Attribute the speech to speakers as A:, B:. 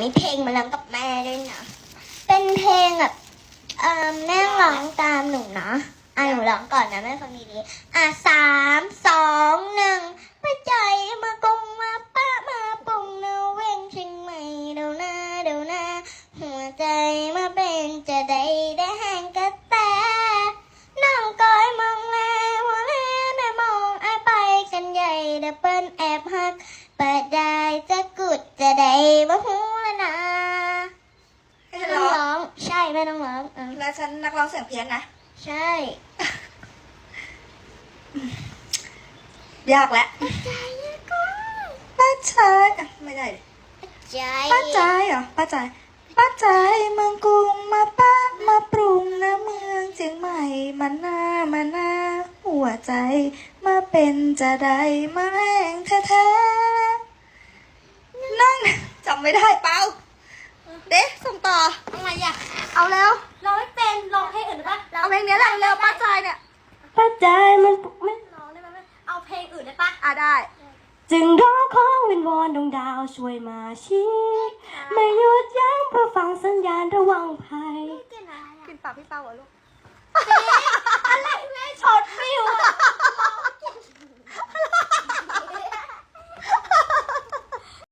A: มีเพลงมาร้องกับแม่ด้วยนะเป็นเพลงแบบแม่ร้องตามหนูนะหนูร้องก่อนนะแม่ฟังดีๆ3 2 1มาใจมากงมาป้ามาปุ่งนาเว่งเชียงใหม่เดี๋ยวนะหัวใจมาเป็นจะได้แห้งกระแตน้องก้อยมองแลหัวแลได้มองไปกันใหญ่เดี๋ยวเปิ้นแอบหักเปิดได้จะกุดจะได้บ่ฮู้ละนะแม่ต้องร้องใช่แม่ต้องร้อง
B: แล้วฉันนักร้องเสียงเพี้ยนนะ
A: ใช่
B: ยากแล้วป้าใจไม่ได้ป้าใจเหรอป้าใจเมืองกรุงมาป้ามาปรุงนะเมืองเชียงใหม่มาหน้าหัวใจมาเป็นจะได้มาแห้งแท้นั่งจำไม่ได้เปล่าเด็กส่งต่อ
A: อะไรอ่ะ
B: เอาแล้ว
A: ร้องไม่เป็นร้องเพลงอื่นได้ปะ
B: เอาเพลงนี้แหละเร็วป้าใจเนี่ย
A: ป้าใจมันไม่ร้องได้ไหมเอาเพลงอื่นได้ปะ
B: ได้
A: จึงร้องขอวิงวอนดวงดาวช่วยมาชี้ไม่หยุดยั้งเพื่อฟังสัญญาณระวังภัย
B: กินปากพี่เป้าเหรอลูก